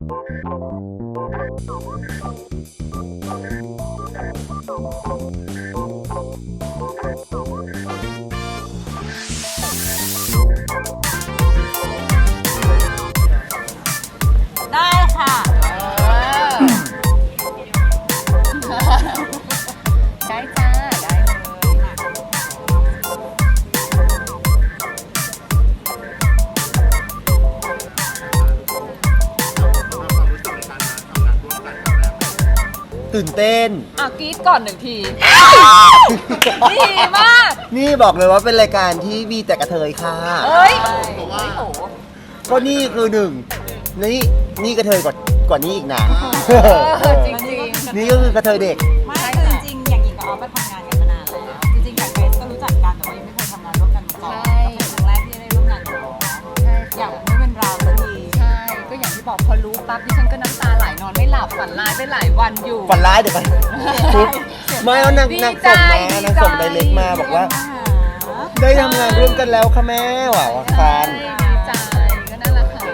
ได้ค่ะได้จ้าได้เลยตื่นเต้นกรี๊ดก่อน1 ทีดีมากนี่บอกเลยว่าเป็นรายการที่มีแต่กระเทยค่ะเอ้ยโหก็นี่คือหนึ่งนี่กระเทยกว่านี้อีกนะจริงนี่ก็คือกระเทยเด็กไม่คือจริงๆอย่างหญิงกับออฟไปทำงานกันมานานแล้วจริงๆกับเกรซก็รู้จักกันแต่ว่ายังไม่เคยทำงานร่วมกันมาก่อนก็เป็นครั้งแรกที่ได้ร่วมงานกันอยากไม่เป็นเราสักทีใช่ ก็อย่างที่บอกพอรู้ปั๊บดิฉันก็น้ำตาไหลนอนไม่หลับฝันร้ายไปหลายวันอยู่ฝันร้ายเดี๋ยวกันไม่เอานางส่งมานางส่งไดเรกมาบอกว่า ได้ทำงานร่วมกันแล้วค่ะแม่ว่ะว่าฟันดีใจก็นั่นแหละค่ะ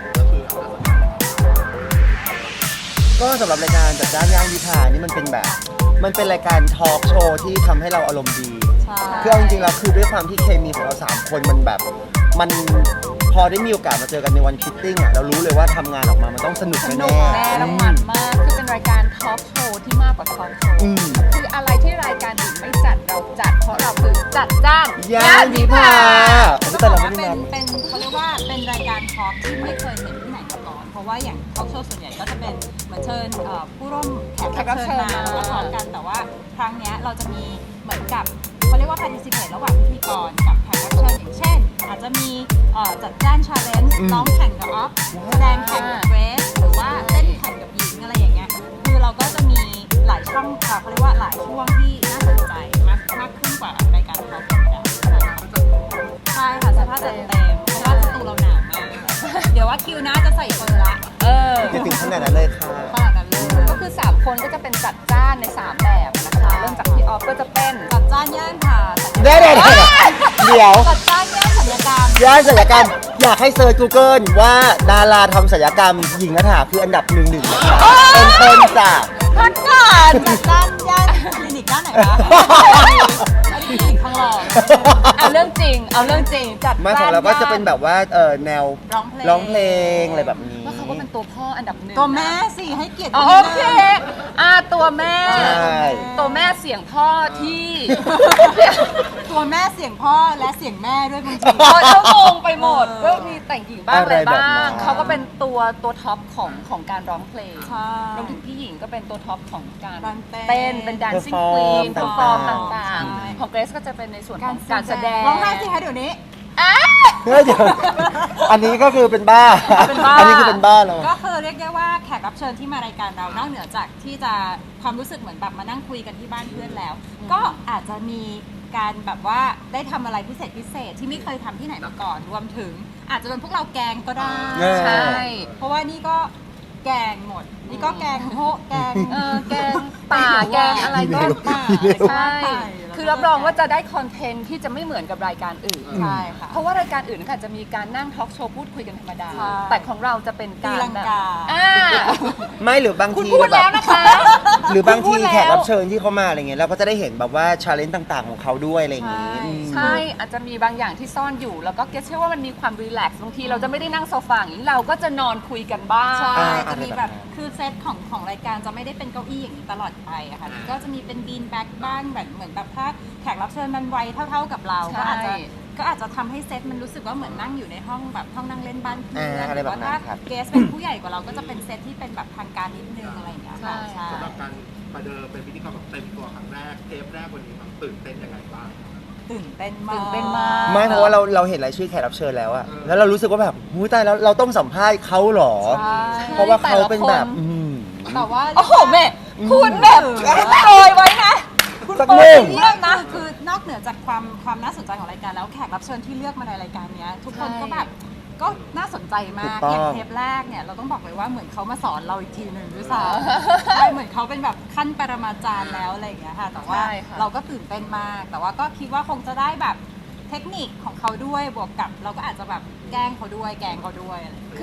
ก็สำหรับรายการจัดจ้านย่างวิภานี่มันเป็นรายการทอล์กโชว์ที่ทำให้เราอารมณ์ดี คือเอาจริงๆแล้วคือด้วยความที่เคมีของเรา3คนมันพอได้มีโอกาสมาเจอกันในวันฟิตติ้งอ่ะเรารู้เลยว่าทำงานออกมามันต้องสนุกสแน่นุกแน่แล้วมันมาก คือเป็นรายการทอล์กโชว์ที่มากกว่าทอล์กโชว์ คืออะไรที่รายการอื่นไม่จัดเราจัด เพราะเราคือจัดจ้านย่านวิภาต้องแต่บอกเราว่าไม่ได้เป็นเขาเรียกว่าเป็นรายการทอล์กที่ไม่เคยเห็นที่ไหนมาก่อน เพราะว่าอย่างทอล์กโชว์ส่วนใหญ่ก็จะเป็นเหมือนเชิญผู้ร่วมแขกรับเชิญมาแล้วก็ทอล์กกันแต่ว่าครั้งเนี้ยเราจะมีเหมือนกับเขาเรียกว่า participate ระหว่างพิธีกรกับแขกรับเชิญอย่างเช่น อาจจะมีจัดจ้าน challenge ร้องแข่งกับออฟแสดงแข่งกับเกรซหรือว่าเต้นแข่งกับหญิงอะไรอย่างเงี้ยคือเราก็จะมีหลายช่องเขาเรียกว่าหลายช่วงที่น่าสนใจมากขึ้นกว่ารายการทอล์กธรรมดาใช่ค่ะเสื้อผ้าจัดเต็มเพราะว่าสตูเราหนาวมากเดี๋ยวว่าคิวหน้าจะใส่เฟอร์ละจะถึงขนาดนั้นเลยค่ะขนาดนั้นเลยก็คือ3คนก็จะเป็นจัดจ้านใน3แบบนะคะ เริ่มจากพี่ออฟก็จะเป็นจัดจ้านย่านค่ะเดี๋ยวจัดจ้านย่านศัลยกรรมย่านศัลยกรรมอยากให้เซิร์ช Google ว่าดาราทำศัลยกรรมหญิงนัฐาคืออันดับ1นะคะเป็นต้นจ้ะพักก่อนจัดจ้านย่านคลินิกด้านไหนคะอันนี้คลินิกทองหล่อเอาเรื่องจริงจัดมาของเราก็จะเป็นแบบว่าแนวร้องเพลงอะไรแบบนี้ว่าเขาก็เป็นตัวพ่ออันดับ1 ตัวแม่สิให้เกียรติโอเคตัวแม่ใช่ตัวแม่เสียงพ่อที่ตัวแม่เสียงพ่อและเสียงแม่ด้วยบางทีเขางงไปหมดก็มีแต่งหญิงบ้างอะไรอะไรแบบบ้านั้งนเขาก็เป็นตัวท็อปของการร้องเพลงใช่รวมถึงพี่หญิงก็เป็นตัวท็อปของการการเต้นเต้นเป็น dancing queen เพอร์ฟอร์มต่างใช่ๆ ของเกรซก็จะเป็นในส่วนของการแสดงร้องไห้สิคะเดี๋ยวนี้เฮ้ยเดี๋ยวอันนี้ก็คือเป็นบ้าเป็นบ้าอันนี้คือเป็นบ้าแล้วก็คือเรียกได้ว่าแขกรับเชิญที่มารายการเรานอกเหนือจากที่จะความรู้สึกเหมือนแบบมานั่งคุยกันที่บ้านเพื่อนแล้ว ก็อาจจะมีการแบบว่าได้ทำอะไรพิเศษที่ไม่เคยทำที่ไหนมาก่อน รวมถึงอาจจะเป็นพวกเราแกงก็ได้ใช่เพราะว่านี่ก็แกงหมด นี่ก็แกงโฮะแกงแกงป่าแกงอะไรก็ป่าใช่ คือรับรองว่าจะได้คอนเทนต์ที่จะไม่เหมือนกับรายการอื่นใช่ค่ะเพราะว่ารายการอื่นค่ะจะมีการนั่งทอล์กโชว์พูดคุยกันธรรมดาใช่แต่ของเราจะเป็นการตีลังแบบกาไม่หรือบางคุณทีพูดแบแล้วบนะคะหรือบางคุณพูทีดแล้วแขกรับเชิญที่เขามาอะไรเงี้ยเราก็จะได้เห็นแบบว่าชาเลนจ์ต่างๆของเขาด้วยอะไรอย่างงี้ใช่อืมใช่ อาจจะมีบางอย่างที่ซ่อนอยู่ แล้วก็เกรซเชื่อว่ามันมีความรีแลกซ์บางทีเราจะไม่ได้นั่งโซฟาอย่างนี้เราก็จะนอนคุยกันบ้างใช่ จะมีแบบอะไรแบบนั้นคือเซตของรายการจะไม่ได้เป็นเก้าอี้อย่างนี้ตลอดไปอะค่ะ ก็จะมีเป็นบีนแบ็กบ้างแบบเหมือนแบบถ้าแขกรับเชิญมันวัยเท่าๆกับเราใช่ก็อาจจะทำให้เซตมันรู้สึกว่าเหมือนนั่งอยู่ในห้องแบบห้องนั่งเล่นบ้านเพื่อนอะไรหรือแบบว่านั้ถ้านครับเกสเป็นผู้ใหญ่กว่าเราก็จะเป็นเซตที่เป็นแบบทางการนิดนึงอะไรอย่างเงี้ยค่ะใช่ใช่สำหรับการประเดิมเป็นพิธีกรแบบเต็มตัวครั้งแรกเทปแรกวันนี้มันตื่นเต้นยังไงบ้างตื่นเต้นมากตื่นเต้นมากไม่เพราะว่าเราเห็นรายชื่อแขกรับเชิญแล้วอะแล้วเรารู้สึกว่าแบบหูยตายแล้วเราต้องสัมภาษณ์เขาเหรอใช่เพราะว่าเขาเป็นแบบแต่ละคนแต่ว่าโอ้โหแม่คุณแบบโปรยไว้นะ คุณสักโปรหยนึ่งเยี่ยมนะคือนอกเหนือจากความน่าสนใจของรายการแล้วแขกรับเชิญที่เลือกมาในรายการเนี้ยทุกคนก็แบบก็น่าสนใจมากถูกต้องอย่างเทปแรกเนี่ยเราต้องบอกเลยว่าเหมือนเขามาสอนเราอีกทีหนึ่งด้วยซ้ำใช่เหมือนเขาเป็นแบบขั้นปรมาจารย์แล้วอะไรอย่างเงี้ยค่ะแต่ว่าใช่ค่ะเราก็ตื่นเต้นมาก แต่ว่าก็คิดว่าคงจะได้แบบเทคนิคของเขาด้วยบวกกับเราก็อาจจะแบบแกล้งเขาด้วยแกล้งเขาด้วยอะไรอย่างเงี้ยคือเรียกง่ายๆ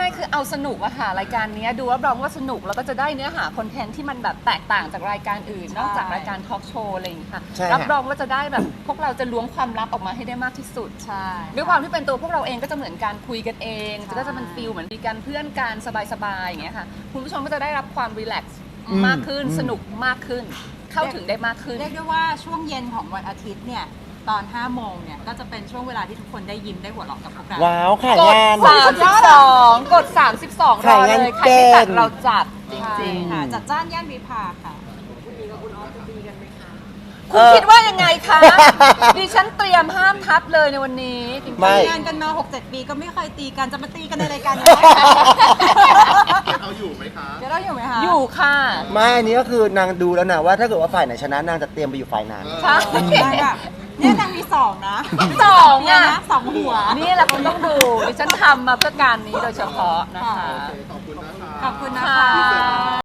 ๆคือเอาสนุกอะค่ะรายการนี้ดูรับรองว่าสนุกแล้วก็จะได้เนื้อหาคอนเทนต์ที่มันแบบแตกต่างจากรายการอื่น นอกจากรายการทอล์กโชว์อะไรอย่างนี้ค่ะใช่ค่ะรับรองว่าจะได้แบบพวกเราจะล้วงความลับออกมาให้ได้มากที่สุดใช่ด้วยความที่เป็นตัวพวกเราเองก็จะเหมือนการคุยกันเองใช่ก็จะเป็นฟิลเหมือนมีการเพื่อนกันสบายๆอย่างเงี้ยค่ะคุณผู้ชมก็จะได้รับความรีแลกซ์มากขึ้นสนุกมากขึ้น เข้าถึงได้มากขึ้นเรียกได้ว่าช่วงเย็นของวันอาทิตย์เนี่ยตอน 5 โมงเนี่ยก็จะเป็นช่วงเวลาที่ทุกคนได้ยิ้มได้หัวเราะกับพวกเราว้าวขายกดงาน 32 กด 32 รอเลย ใครไม่จัดเราจัดจใช่ริงค่ะจัดจ้านย่านวิภาค่ะๆ คุณคิดว่ายังไงคะ ดิฉันเตรียมห้ามทับเลยในวันนี้จริงๆไม่ทำงานกันมา 6-7 ปีก็ไม่เคยตีกันจะมาตีกันในรายการนี้เกดเอาอยู่ไหมคะเดี๋ยวเราอยู่ไหมคะอยู่ค่ะไม่อันนี้ก็คือนางดูแล้วนะว่าถ้าเกิดว่าฝ่ายไหนชนะนางจะเตรียมไปอยู่ฝ่ายนั้นใช่ได้แบบเนี่ยนางมี 2 นะสองเนี่ยอ่ะนะ2 หัวนี่แหละคุณต้องดู ดิฉันทำมาเพื่อการนี้โดยเฉพาะนะคะขอบคุณนะคะขอบคุณนะคะค่ะ